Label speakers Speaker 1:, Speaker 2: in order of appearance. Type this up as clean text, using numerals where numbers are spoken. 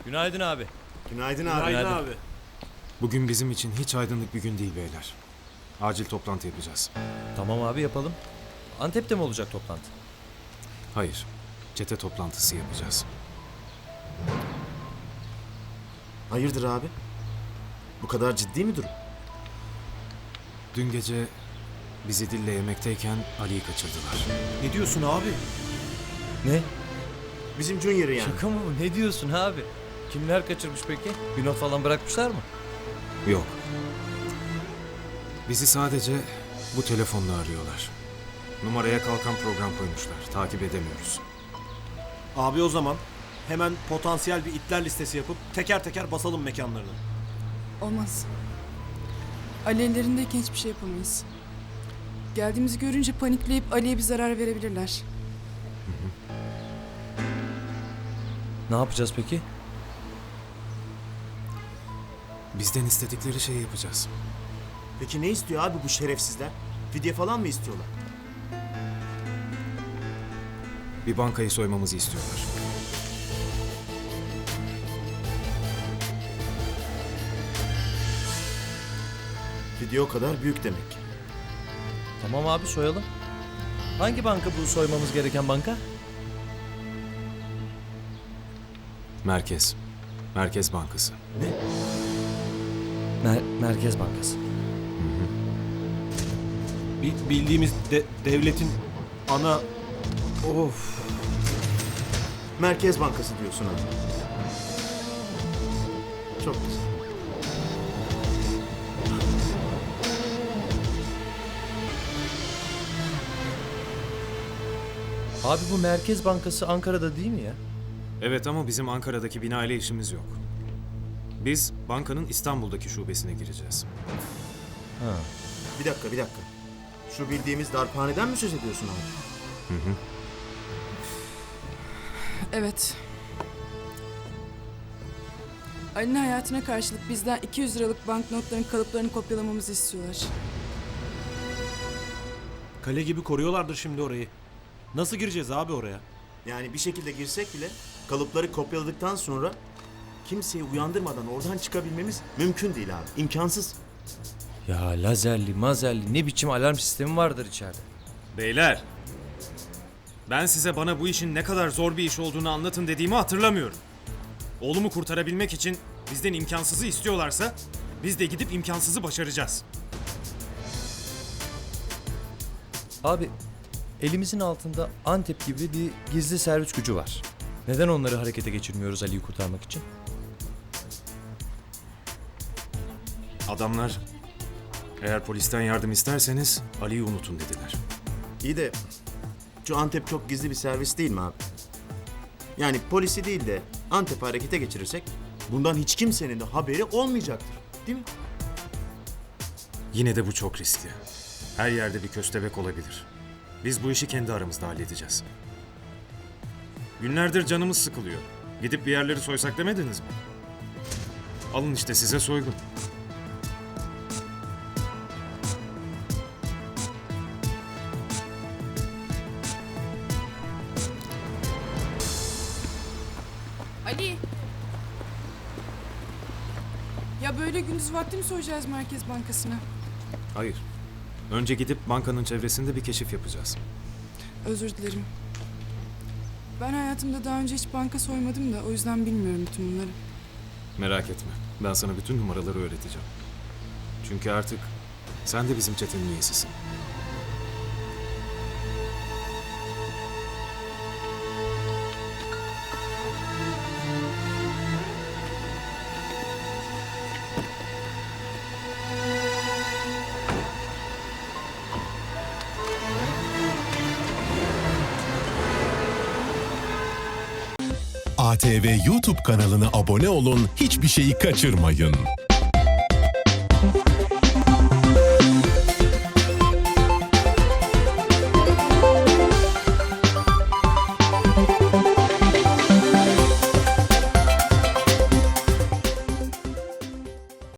Speaker 1: Günaydın abi.
Speaker 2: Günaydın abi.
Speaker 1: Günaydın.
Speaker 3: abi.
Speaker 4: Bugün bizim için hiç aydınlık bir gün değil beyler. Acil toplantı yapacağız.
Speaker 1: Tamam abi yapalım. Antep'te mi olacak toplantı?
Speaker 4: Hayır, çete toplantısı yapacağız.
Speaker 2: Hayırdır abi? Bu kadar ciddi mi durum?
Speaker 4: Dün gece bizi Dille yemekteyken Ali'yi kaçırdılar.
Speaker 3: Ne diyorsun abi?
Speaker 1: Ne?
Speaker 2: Bizim Junior'ı yani.
Speaker 1: Şaka mı bu? Ne diyorsun abi? Kimler kaçırmış peki? Bir not falan bırakmışlar mı?
Speaker 4: Yok. Bizi sadece bu telefonla arıyorlar. Numaraya kalkan program koymuşlar. Takip edemiyoruz.
Speaker 3: Abi o zaman hemen potansiyel bir itler listesi yapıp teker teker basalım mekanlarını.
Speaker 5: Olmaz. Ali ellerindeyken hiçbir şey yapamayız. Geldiğimizi görünce panikleyip Ali'ye bir zarar verebilirler.
Speaker 1: Ne yapacağız peki?
Speaker 4: Bizden istedikleri şeyi yapacağız.
Speaker 2: Peki ne istiyor abi bu şerefsizler? Fidye falan mı istiyorlar?
Speaker 4: Bir bankayı soymamızı istiyorlar.
Speaker 2: Fidye o kadar büyük demek.
Speaker 1: Tamam abi soyalım. Hangi banka bu soymamız gereken banka?
Speaker 4: Merkez. Merkez Bankası.
Speaker 1: Merkez Bankası.
Speaker 3: Bildiğimiz devletin ana... Of.
Speaker 2: Merkez Bankası diyorsun abi. Çok güzel.
Speaker 1: Abi bu Merkez Bankası Ankara'da değil mi ya?
Speaker 4: Evet ama bizim Ankara'daki bina ile işimiz yok. Biz bankanın İstanbul'daki şubesine gireceğiz.
Speaker 1: Ha.
Speaker 2: Bir dakika. Şu bildiğimiz darphaneden mi söz ediyorsun abi?
Speaker 5: Evet. Ali'nin hayatına karşılık bizden 200 liralık banknotların kalıplarını kopyalamamızı istiyorlar.
Speaker 3: Kale gibi koruyorlardır şimdi orayı. Nasıl gireceğiz abi oraya?
Speaker 2: Yani bir şekilde girsek bile kalıpları kopyaladıktan sonra kimseyi uyandırmadan oradan çıkabilmemiz mümkün değil abi. İmkansız.
Speaker 1: Ya lazerli, mazerli ne biçim alarm sistemi vardır içeride.
Speaker 4: Beyler, ben size bana bu işin ne kadar zor bir iş olduğunu anlatın dediğimi hatırlamıyorum. Oğlumu kurtarabilmek için bizden imkansızı istiyorlarsa biz de gidip imkansızı başaracağız.
Speaker 1: Abi elimizin altında Antep gibi bir gizli servis gücü var. Neden onları harekete geçirmiyoruz Ali'yi kurtarmak için?
Speaker 4: Adamlar, eğer polisten yardım isterseniz Ali'yi unutun dediler.
Speaker 2: İyi de şu Antep çok gizli bir servis değil mi abi? Yani polisi değil de Antep'i harekete geçirirsek bundan hiç kimsenin de haberi olmayacaktır. Değil mi?
Speaker 4: Yine de bu çok riskli. Her yerde bir köstebek olabilir. Biz bu işi kendi aramızda halledeceğiz. Günlerdir canımız sıkılıyor. Gidip bir yerleri soysak demediniz mi? Alın işte size soygun.
Speaker 5: Ali! Ya böyle gündüz vakti mi soyacağız Merkez Bankası'na?
Speaker 4: Hayır. Önce gidip bankanın çevresinde bir keşif yapacağız.
Speaker 5: Özür dilerim. Ben hayatımda daha önce hiç banka soymadım da o yüzden bilmiyorum bütün bunları.
Speaker 4: Merak etme. Ben sana bütün numaraları öğreteceğim. Çünkü artık sen de bizim çetenin üyesisin.
Speaker 6: ATV YouTube kanalına abone olun, hiçbir şeyi kaçırmayın.